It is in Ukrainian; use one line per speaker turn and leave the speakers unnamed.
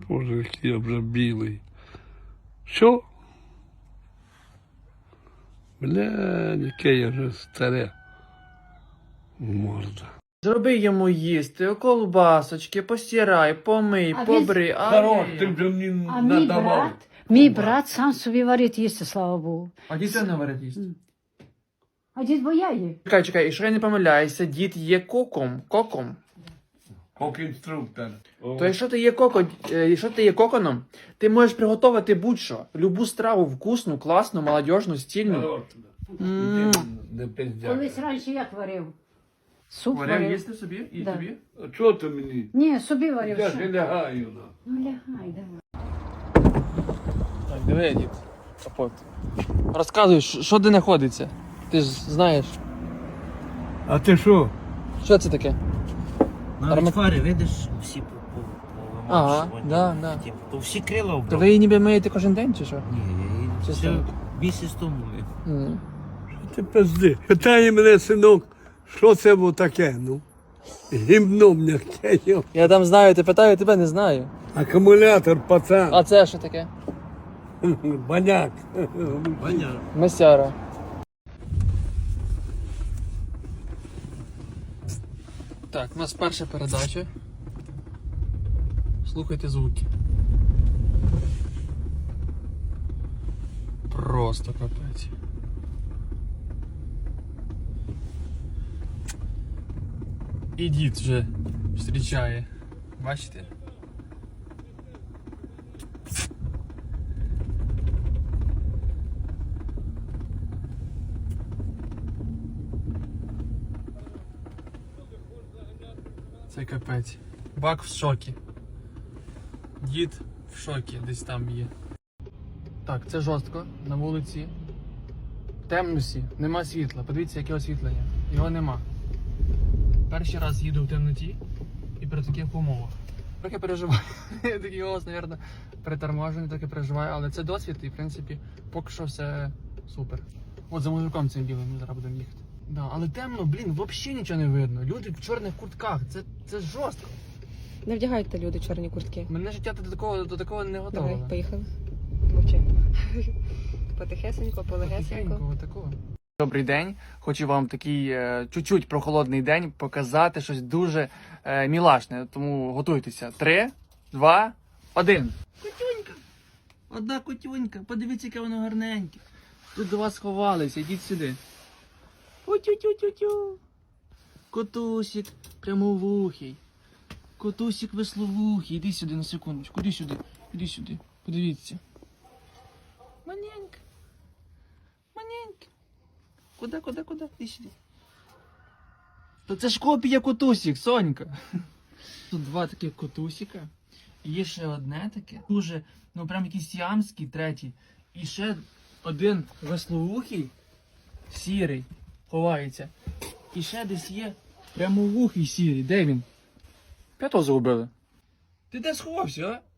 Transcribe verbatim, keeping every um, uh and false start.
Боже, який я вже білий. Що? Бля, яке я вже старе. Морда.
Зроби йому їсти, колбасочки, постирай, помий,
А
побрий. А,
Хорош,
ні.
ти вже мені
А мій
надавав.
брат, мій брат сам собі варить їсти, слава Богу.
А дід не варить їсти.
А дід бояє.
Чекай, чекай, і що я не помиляюся, дід є коком. Коком.
Кок-інструктор.
То якщо ти є коко, е, якщо ти є коконом, ти можеш приготувати будь-що. Любу страву вкусну, класну, молодіжну, стильну.
Хорош.
М.
Іди, не пиздяй.
Колись раніше як варив? Суп
Варив
варив.
їсти собі і
Да.
тобі?
А чого ти мені?
Ні, собі варив.
Я
що?
ж лягаю. на.
Ну лягай, давай.
Так, диви, дід. Капот. Розказуй, що що де знаходиться? Ти ж знаєш.
А ти що?
Що це таке?
Навіть
Арма-
фари, видиш, всі по- по-
Ага,
повимашувані.
да, да.
Типу, то всі крила
То
обрав.
ви її ніби миєте кожен день чи що?
Ні, я її
Чи
ще
що?
місяць тому мив.
М.
Ти пизди. Питає мене, синок, що це було таке, ну? Гімно м'яке, йо.
Я там знаю, ти питаю, тебе не знаю.
Акумулятор, пацан.
А це що таке?
Баняк.
Ваня,
Месяра. Так, у нас перша передача. Слухайте звуки. Просто капець. І дід вже зустрічає. Бачите? Це капець. Бак в шокі. Дід в шокі десь там є. Так, це жорстко. На вулиці. В темноті. Нема світла. Подивіться, яке освітлення. Його нема. Перший раз їду в темноті і при таких умовах. Трохи переживаю. Я такий голос, мабуть, приторможений, трохи переживаю, але це досвід і, в принципі, поки що все супер. От за мужиком цим білим ми зараз будемо їхати. Да, але темно, блін, взагалі нічого не видно. Люди в чорних куртках, це, це жорстко.
Не вдягайте люди чорні куртки.
Мене життя до такого, до такого не готове.
Давай, поїхали. Мовчи. Потихесенько, полегесенько.
Такого. Добрий день. Хочу вам такий е, чуть-чуть прохолодний день показати щось дуже е, мілашне. Тому готуйтеся. Три, два, один. Котюнька. Одна котюнька. Подивіться, яке воно гарненьке. Тут до вас сховалися. Йдіть сюди. Ой-тю-тю-тю-тю. Котусик прямовухий. Котусик весловухий. Іди сюди на секундочку. Іди сюди. Іди сюди. Подивіться. Маненька. Маненька. Куда, куда, куда? Іди сюди. Та це ж копія котусик, Сонька. Тут два таких котусика. І є ще одне таке. Дуже, ну прям якийсь ямський, третій. І ще один весловухий, сірий, ховається. І ще десь є прямовухий сірий. Де він? П'ятого загубили. Ти де сховався, а?